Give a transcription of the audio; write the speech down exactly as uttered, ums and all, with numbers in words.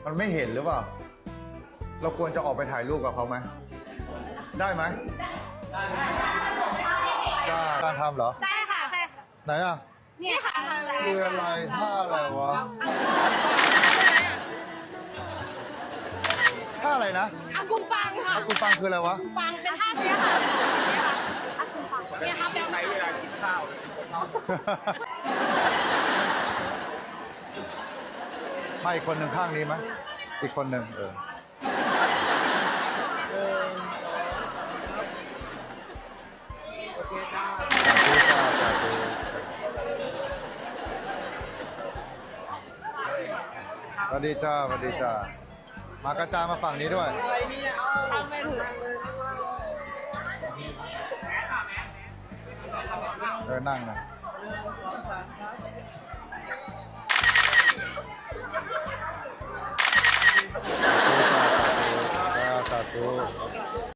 มันไม่เห็นหรือเปล่า เราควรจะออกไปถ่ายรูปกับเขาไหม ได้ไหมได้การทำเหรอใช่ค่ะใช่ค่ะไหนอ่ะนี่ค่ะคืออะไรท่าอะไรวะท่าอะไรนะอากุงปังค่ะอากูปังคืออะไรวะปังเป็นท่าเนี้ยค่ะอากุงปังเนี่ยค่ะแบบใช้เวลากินข้าวให้อีกคนหนึ่งข้างนี้ไหมอีกคนหนึ่งเออโอเคจ้าสาธุสวัสดีจ้าสวัสดีจ้ามากระจายมาฝั่งนี้ด้วยทำไม่ถูกเลยเออนั่งนะสาธุสาธุสาธุ